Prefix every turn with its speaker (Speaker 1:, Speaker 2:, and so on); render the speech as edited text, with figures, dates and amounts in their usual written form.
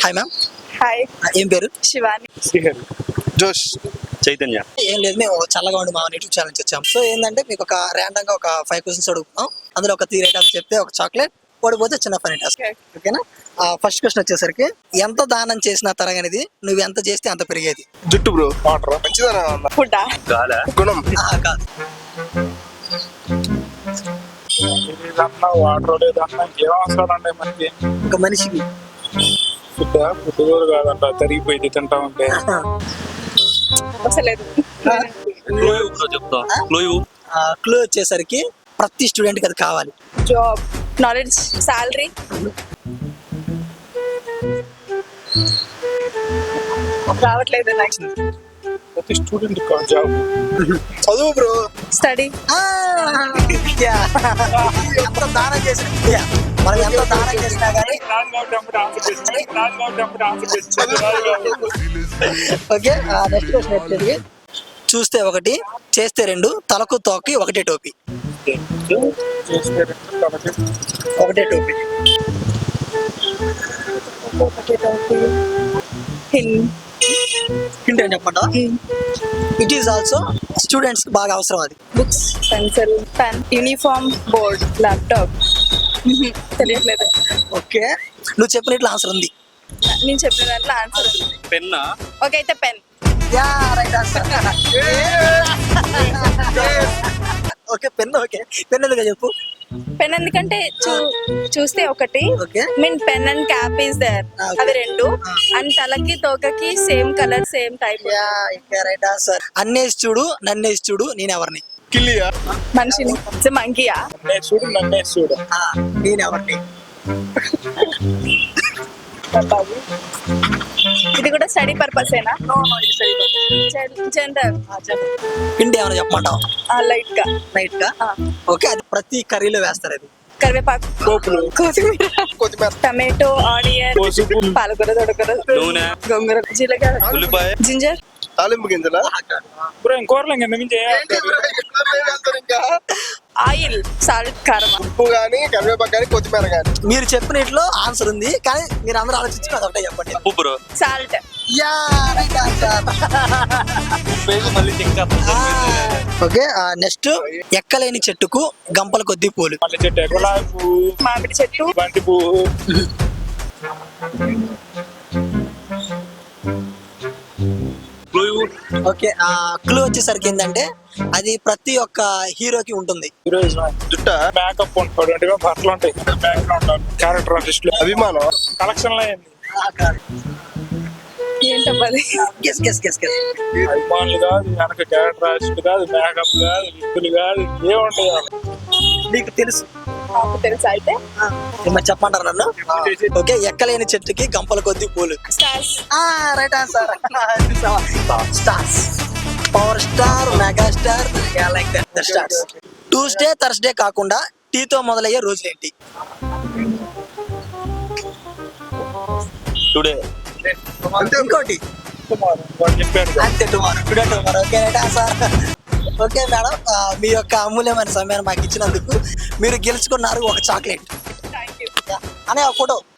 Speaker 1: Hi ma'am.
Speaker 2: Hi.
Speaker 1: ఏం పేరు?
Speaker 2: శివాని.
Speaker 3: శ్రీహరి. జోష్. చైతన్య.
Speaker 1: ఏం లేదు, మేము చల్లగా ఉండి మా యూట్యూబ్ ఛానల్ నుంచి వచ్చాం. సో ఏంటంటే మీకు ఒక ర్యాండమ్ గా ఒక 5 క్వశ్చన్స్ అడుగుతాం. అందులో ఒక 3 రైట్ చెప్తే ఒక చాక్లెట్, ఓడిపోతే చిన్న ఫనీ టాస్క్. ఓకేనా? ఫస్ట్ క్వశ్చన్ వచ్చేసరికి, ఎంత దానం చేసినా తరగనిది, నువ్వు ఎంత చేస్తే అంత పెరిగేది.
Speaker 3: జుట్టు బ్రో. వాటర్. మంచిదనా?
Speaker 2: ఫుడ్.
Speaker 3: గాలా. గుణం.
Speaker 1: కాదు.
Speaker 4: వాటర్ లేదన్నా ఏం అవసరం అండి మనకి.
Speaker 1: ఒక మనిషికి
Speaker 4: ఫుడ్ కూడా కాదంట, తరిగిపోయింది తింటా ఉంటే.
Speaker 2: అసలేదు.
Speaker 1: క్లూ వచ్చేసరికి ప్రతి స్టూడెంట్ కి అది కావాలి.
Speaker 2: Job, knowledge, salary. రావట్లేదు నాకు.
Speaker 4: ప్రతి స్టూడెంట్ జాబ్.
Speaker 3: చదువు బ్రో.
Speaker 2: స్టడీ.
Speaker 1: ఎంత దానం చేసినా, మనం ఎంత దానం చేసినా కానీ. ఓకే, నెక్స్ట్ క్వశ్చన్ వచ్చేది, చూస్తే ఒకటి, చేస్తే 2, తలకు తోకి ఒకటే టోపీ. ఒకటే టోపీ. హింట్ ఏం చెప్పండి. ఇట్ ఈస్ ఆల్సో స్టూడెంట్స్ కి బాగా అవసరం అది.
Speaker 2: Books, pencil, pen, uniform, board, laptop. తెలియట్లేదు.
Speaker 1: ఓకే, నువ్వు చెప్పినట్లు ఆన్సర్ ఉంది.
Speaker 2: నేను చెప్పిన దాంట్లో ఆన్సర్ ఉంది.
Speaker 3: పెన్నా.
Speaker 2: ఓకే, అయితే pen.
Speaker 1: Right answer. Okay, pen. Okay, pen ఎందుకు చెప్పు.
Speaker 2: పెన్ ఎందుకంటే చూస్తే ఒకటి,
Speaker 1: okay,
Speaker 2: mean pen and cap is there. అవి 2 అండ్ తలకి తోకకి same colour, same type.
Speaker 1: Right answer. అన్నేసి చూడు, నన్నేసి చూడు, నేనెవరిని.
Speaker 3: కిల్లియా.
Speaker 2: మనిషిని. మంకీయా?
Speaker 4: చూడు నన్నే చూడు.
Speaker 1: నేనెవరిని.
Speaker 2: ఇది కూడా స్టడీ పర్పసేనా? జనరల్.
Speaker 1: పిండి ఏమైనా చెప్పమంటావు?
Speaker 2: లైట్ గా.
Speaker 1: రైట్ గా. ఓకే, అది ప్రతి కర్రీలో వేస్తారు. అది
Speaker 2: కరివేపాకు,
Speaker 4: పోపులు,
Speaker 2: కొత్తిమీర, టమాటో, ఆనియన్, పాలకూర, తొడకూర,
Speaker 3: నూనె,
Speaker 2: గోంగూర, జీలకర్ర,
Speaker 3: ఉల్లిపాయ,
Speaker 2: జింజర్.
Speaker 3: తాలింపు గింజల.
Speaker 4: కూరలు కింద మించి
Speaker 3: ఇంకా
Speaker 2: ఆయిల్, సాల్ట్, కారం.
Speaker 3: ఉప్పు గానీ, కరివేపాకు గానీ, కొత్తిమీర గానీ.
Speaker 1: మీరు చెప్పినట్లో ఆన్సర్ ఉంది, కానీ మీరు అందరూ ఆలోచించి అది ఒకటే చెప్పండి.
Speaker 3: ఉప్పు bro.
Speaker 2: Salt.
Speaker 1: Right answer. Okay, next, ఎక్కలేని చెట్టుకు గంపల కొద్ది పూలు.
Speaker 4: మళ్ళీ చెట్టు, గులాబీ పువ్వు,
Speaker 2: మామిడి చెట్టు,
Speaker 4: బంతి పువ్వు.
Speaker 1: ఓకే, క్లూ వచ్చేసరికి ఏంటంటే అది ప్రతి ఒక్క హీరోకి ఉంటుంది.
Speaker 3: జుట్ట.
Speaker 4: మేకప్ ఉంటాడు, బట్టలు ఉంటాయి, బ్యాక్గ్రౌండ్, క్యారెక్టర్ ఆర్టిస్ట్,
Speaker 3: అభిమానం.
Speaker 4: కలెక్షన్ లో అయింది.
Speaker 2: ఏంటది?
Speaker 1: Guess guess guess guess.
Speaker 4: అభిమానులు కాదు, వెనక క్యారెక్టర్ ఆర్టిస్ట్ కాదు, మేకప్ కాదు, లిప్పులు కాదు, ఏముంటాయి.
Speaker 1: నీకు తెలుసు.
Speaker 2: నాకు తెలుసా అయితే?
Speaker 1: మరి చెప్పంటారు నన్ను. ఓకే, ఎక్కలేని చెట్టుకి గంపల కొద్ది పూలు.
Speaker 2: Stars.
Speaker 1: Right answer. Stars. Power star, mega star, like that, the stars. Tuesday, Thursday కాకుండా టీతో మొదలయ్యే రోజులేంటి?
Speaker 3: టుడే.
Speaker 1: ఇంకోటి
Speaker 4: చెప్పాడు.
Speaker 1: అంతే, tomorrow. Today, tomorrow. Okay, right answer. Okay madam, మీ యొక్క అమూల్యమైన సమయాన్ని మాకు ఇచ్చినందుకు మీరు గెలుచుకున్నారు ఒక చాక్లెట్.
Speaker 2: Thank you.
Speaker 1: అనే ఫోటో